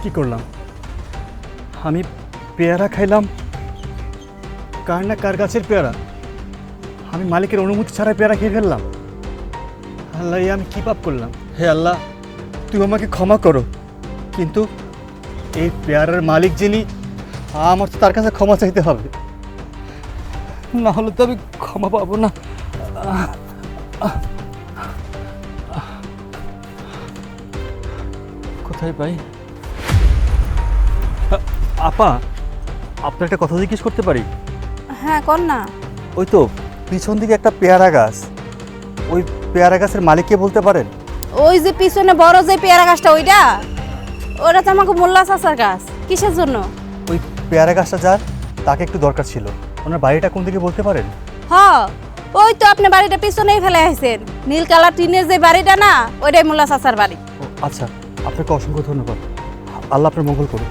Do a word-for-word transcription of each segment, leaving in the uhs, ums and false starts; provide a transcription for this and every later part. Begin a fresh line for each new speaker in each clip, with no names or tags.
কি করলাম? আমি পেয়ারা খাইলাম, কার না কার গাছের পেয়ারা। আমি মালিকের অনুমতি ছাড়াই পেয়ারা খেয়ে ফেললাম। আল্লাহ, এ আমি কী পাপ করলাম? হে আল্লাহ, তুই আমাকে ক্ষমা করো। কিন্তু এই পেয়ারার মালিক যিনি, আমার তো তার কাছে ক্ষমা চাইতে হবে, না হলে তো আমি ক্ষমা পাবো না। কোথায় পাই? আপা, আপনার একটা কথা জিজ্ঞেস করতে পারি?
হ্যাঁ, কর না।
ওই তো পিছন দিকে একটা পেয়ারা গাছ, ওই পেয়ারা গাছের মালিককে বলতে পারেন?
ওই যে পিছনে বড় যে পেয়ারা গাছটা, ওইটা ওটা তো আমাকে মোল্লা চাচার গাছ। কিসের জন্য?
ওই পেয়ারা গাছটা যার, তাকে একটু দরকার ছিল। ওনার বাড়িটা কোন দিকে বলতে পারেন?
হ, ওই তো আপনি বাড়িটা পিছনেই ফেলে আসছেন, নীল কালার টিনের যে বাড়িটা না, ওইটাই মোল্লা চাচার বাড়ি।
ও আচ্ছা, আপনাকে অসংখ্য ধন্যবাদ। আল্লাহ আপনার মঙ্গল করুক।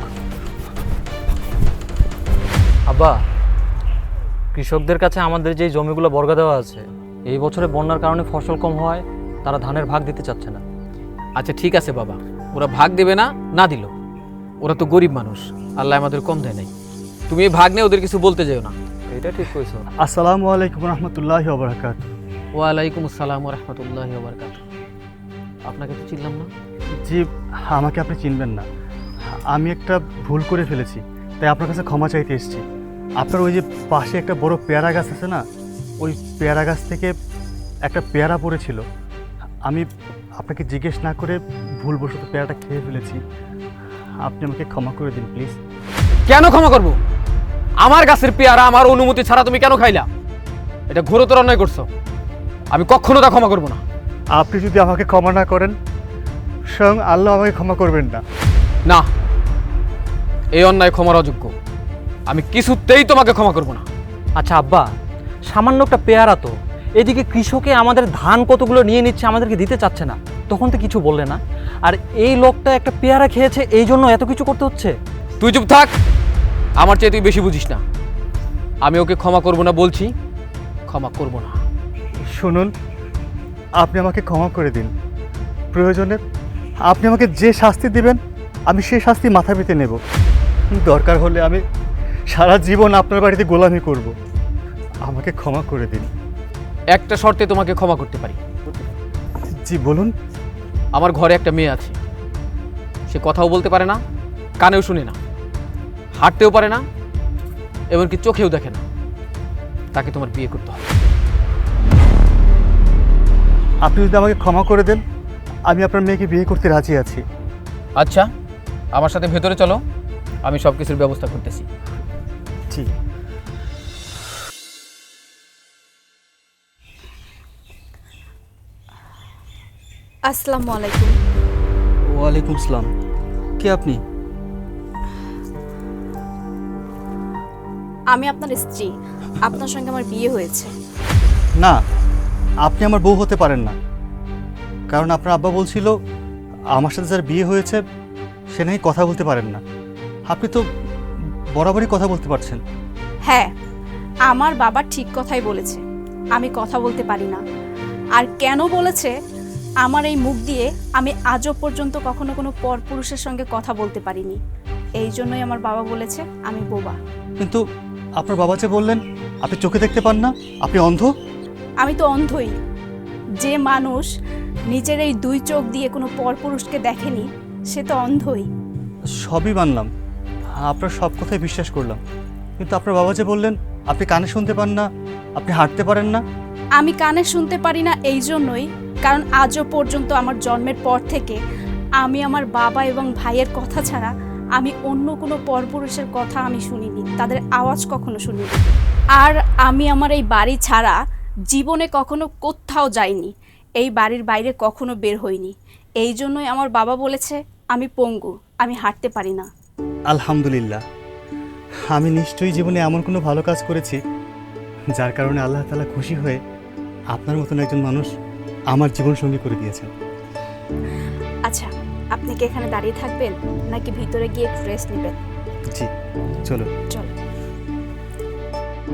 আব্বা, কৃষকদের কাছে আমাদের যেই জমিগুলো বর্গা দেওয়া আছে, এই বছরে বন্যার কারণে ফসল কম হওয়ায় তারা ধানের ভাগ দিতে চাচ্ছে না।
আচ্ছা ঠিক আছে বাবা, ওরা ভাগ দেবে না, না দিল, ওরা তো গরিব মানুষ, আল্লাহ আমাদের কম দেয় নাই। তুমি এই ভাগ নিয়ে ওদের কিছু বলতে যেও না।
এটা ঠিক কইছো।
আসসালামু আলাইকুম রহমতুল্লাহি ওয়া বারাকাতুহু।
ওয়ালাইকুম আসসালাম ওয়া রাহমাতুল্লাহি ওয়া বারাকাতুহু। আপনাকে তো চিনলাম না।
জি, আমাকে আপনি চিনবেন না। আমি একটা ভুল করে ফেলেছি, তাই আপনার কাছে ক্ষমা চাইতে এসেছি। আপনার ওই যে পাশে একটা বড় পেয়ারা গাছ আছে না, ওই পেয়ারা গাছ থেকে একটা পেয়ারা পড়েছিল। আমি আপনাকে জিজ্ঞেস না করে ভুলবশত পেয়ারাটা খেয়ে ফেলেছি। আপনি আমাকে ক্ষমা করে দিন প্লিজ।
কেন ক্ষমা করব? আমার গাছের পেয়ারা আমার অনুমতি ছাড়া তুমি কেন খাইলা? এটা ঘোরতর অন্যায় করছো, আমি কখনো তা ক্ষমা করব না।
আপনি যদি আমাকে ক্ষমা না করেন, স্বয়ং আল্লাহ আমাকে ক্ষমা করবেন না।
না, এই অন্যায় ক্ষমার অযোগ্য, আমি কিছুতেই তোমাকে ক্ষমা করব না।
আচ্ছা আব্বা, সামান্য একটা পেয়ারা তো, এদিকে কৃষকে আমাদের ধান কতগুলো নিয়ে নিচ্ছে, আমাদেরকে দিতে চাচ্ছে না, তখন তো কিছু বললে না। আর এই লোকটা একটা পেয়ারা খেয়েছে, এই জন্য এত কিছু করতে হচ্ছে।
তুই চুপ থাক, আমার চেয়ে তুই বেশি বুঝিস না। আমি ওকে ক্ষমা করব না বলছি, ক্ষমা করব না।
শুনুন, আপনি আমাকে ক্ষমা করে দিন। প্রয়োজনে আপনি আমাকে যে শাস্তি দিবেন, আমি সেই শাস্তি মাথা পেতে নেব। দরকার হলে আমি সারা জীবন আপনার বাড়িতে গোলামি করব। আমাকে ক্ষমা করে দিন।
একটা শর্তে তোমাকে ক্ষমা করতে পারি।
জি বলুন।
আমার ঘরে একটা মেয়ে আছে, সে কথাও বলতে পারে না, কানেও শুনে না, হাঁটতেও পারে না, এমনকি চোখেও দেখে না। তাকে তোমার বিয়ে করতে হবে।
আপনি যদি আমাকে ক্ষমা করে দেন, আমি আপনার মেয়েকে বিয়ে করতে রাজি আছি।
আচ্ছা, আমার সাথে ভেতরে চলো, আমি সব কিছুর ব্যবস্থা করতেছি।
জি।
আসসালামু আলাইকুম।
ওয়ালাইকুম আসসালাম। কে আপনি?
আমি আপনার স্ত্রী, আপনার সঙ্গে আমার বিয়ে হয়েছে।
না, আপনি আমার বউ হতে পারেন না, কারণ আপনার আব্বা বলছিল আমার সাথে যার বিয়ে হয়েছে সে নাকি কথা বলতে পারেন না। আপনি তো বরাবরই কথা বলতে পারছেন।
হ্যাঁ, আমার বাবা ঠিক কথাই বলেছে, আমি কথা বলতে পারি না। আর কেন বলেছে? আমার এই মুখ দিয়ে আমি আজও পর্যন্ত কখনো কোনো পরপুরুষের সঙ্গে কথা বলতে পারিনি, এই জন্যই আমার বাবা বলেছে আমি বোবা।
কিন্তু আপনার বাবা যে বললেন আপনি চোখে দেখতে পান না, আপনি অন্ধ।
আমি তো অন্ধই। যে মানুষ নিজের এই দুই চোখ দিয়ে কোনো পরপুরুষকে দেখেনি, সে তো অন্ধই।
সবই মানলাম, আপনার সব কথাই বিশ্বাস করলাম, কিন্তু আপনার বাবা যে বললেন আপনি কানে শুনতে পান না, আপনি হাঁটতে পারেন না।
আমি কানে শুনতে পারি না এই জন্যই কারণ আজও পর্যন্ত আমার জন্মের পর থেকে আমি আমার বাবা এবং ভাইয়ের কথা ছাড়া আমি অন্য কোনো পরপুরুষের কথা আমি শুনিনি, তাদের আওয়াজ কখনো শুনিনি। আর আমি আমার এই বাড়ি ছাড়া জীবনে কখনো কোথাও যাইনি, এই বাড়ির বাইরে কখনো বের হইনি। এই জন্যই আমার বাবা বলেছে আমি পঙ্গু, আমি হাঁটতে পারি না।
আলহামদুলিল্লাহ, আমি নিশ্চয়ই জীবনে এমন কোনো ভালো কাজ করেছি যার কারণে আল্লাহ তাআলা খুশি হয়ে আপনার মতন একজন মানুষ আমার জীবন সঙ্গী করে দিয়েছেন।
আচ্ছা, আপনি কি এখানে দাঁড়িয়ে থাকবেন নাকি ভিতরে গিয়ে একটু রেস্ট নেবেন?
জি চলো।
চলো।